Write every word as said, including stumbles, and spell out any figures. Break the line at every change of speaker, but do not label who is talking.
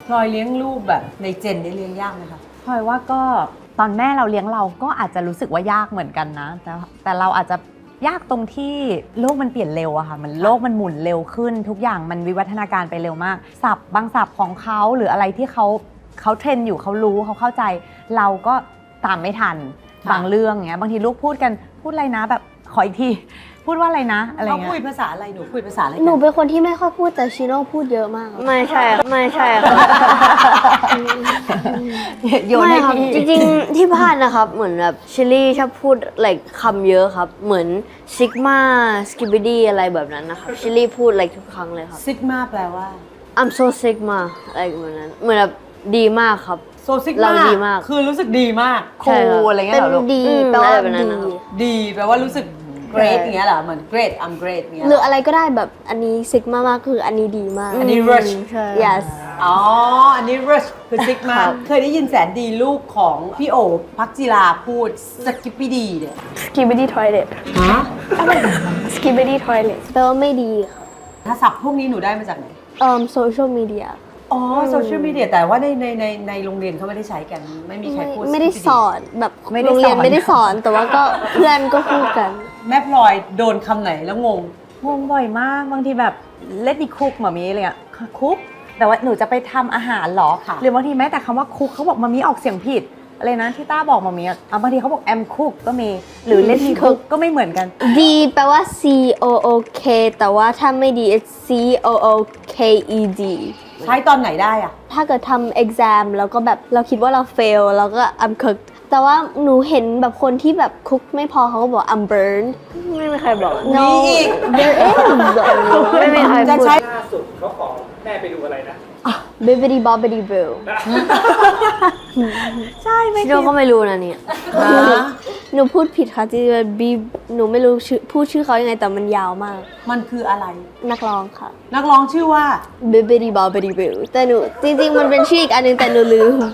พลอยเลี้ยงลูกแบบในเจนได้เลี้ยงยากไหมคะ
พลอยว่าก็ตอนแม่เราเลี้ยงเราก็อาจจะรู้สึกว่ายากเหมือนกันนะแต่แต่เราอาจจะยากตรงที่โลกมันเปลี่ยนเร็วอะค่ะมันโลกมันหมุนเร็วขึ้นทุกอย่างมันวิวัฒนาการไปเร็วมากศัพท์บางศัพท์ของเขาหรืออะไรที่เขาเขาเทรนอยู่เขารู้เขาเข้าใจเราก็ตามไม่ทันบางเรื่องเงี้ยบางทีลูกพูดกันพูดอะไรนะแบบขออีกทีพูดว่าอะไรนะอะไรเงี้ย
เขาคุยภาษาอะไรหนูคุยภาษาอะไร
หนูเป็นคนที่ไม่ค่อยพูดแต่ชิโน่พูดเยอะมาก
ไม่ใช่ไม่ใช่ครับ
โยน
ไม่
ให้
ครับ
พี่
จริงๆที่บ้านนะครับเหมือนแบบชิลลี่ชอบพูดอะไรคำเยอะครับเหมือนซิกมาสกิบดี้อะไรแบบนั้นนะครับชิลลี่พูดอะไรทุกครั้งเลยครับ
ซิกมาแปลว่า
I'm so sigma อะไรแบบนั้นเหมือนแบบดีมากครับ
โซซิก
เรา
มา
ดีมาก
คือรู้สึกดีมาก
ครูอะไรเงี้
เป็
ย
น
เหรอลูก
ดี
อืม
แปลว่า
อะไรแบบนั้น
ดี
นะครับ
ดีแปลว่ารู้สึก great อย่างเงี้ยเหรอเหมือน great I'm great เงี้ย
หรืออะไรก็ได้แบบอันนี้ซิกมามากคืออันนี้ดีมาก
อันนี้ rush
ใช่
yes
อ๋อ อันนี้ rush คือซิกมา
ครับ
เคยได้ยินแสนดีลูกของพี่โอพักจิราพูดสกิปปี้ดีเนี่ย
skibidi toilet
ฮะ
skibidi toilet แปลว่าไม่ดีค่ะ
ถ้าศัพท์พวกนี้หนูได้มาจากไหน
เอ่อ social media
อ๋อโซเชียลมีเดียแต่ว่าในในในในโรงเรียนเขาไม่ได้ใช้กัน ไม่มีใคร
ไม่
พูด
ไม่ได้
Skibidi
สอนแบบ
ไม่ได้
โรงเรียน
สอน
ไม่ได้สอนแต่ว่าก็เพื่อนก็พูดกัน
แม่พลอยโดนคำไหนแล้วงง
งงบ่อยมากบางทีแบบเล่นดีคุกหมามีอะไรเงี้ยคุกแต่ว่าหนูจะไปทำอาหารเหรอ
ค่ะ
หรือบางทีแม้แต่คำว่าคุกเขาบอกมามีออกเสียงผิดอะไรนะที่ต้าบอกมามีอ่ะบางทีเขาบอกแอมคุกก็มีหรือเล่นดีคุกก็ไม่เหมือนกัน
ดีแปลว่า c o o k แต่ว่าถ้าไม่ดี it's c o o k e d
ใช้ตอนไหนได้อะ
ถ้าเกิดทำ exam แล้วก็แบบเราคิดว่าเรา fail แล้วก็ I'm cooked แต่ว่าหนูเห็นแบบคนที่แบบ cook ไม่พอเขาก็บอก I'm burned
ไม่มีใครบอก
no
มีอีก
there is
ไม่มีใคร
จะ
พูด
ใช้
ล่าสุดเขาขอแม่ไปดูอะไรนะ
bibbidi bobbidi boo
ใช่ไม่
ชิโน่ก็ไม่รู้นะเนี่ย
หนูพูดผิดค่ะที่บีหนูไม่รู้ชื่อพูดชื่อเขายังไงแต่มันยาวมาก
มันคืออะไร
นักร้องค่ะ
นักร้องชื่อว่า
bibbidi bobbidi boo แต่หนูจริงๆมันเป็นชื่ออีกอันนึงแต่หนูลืม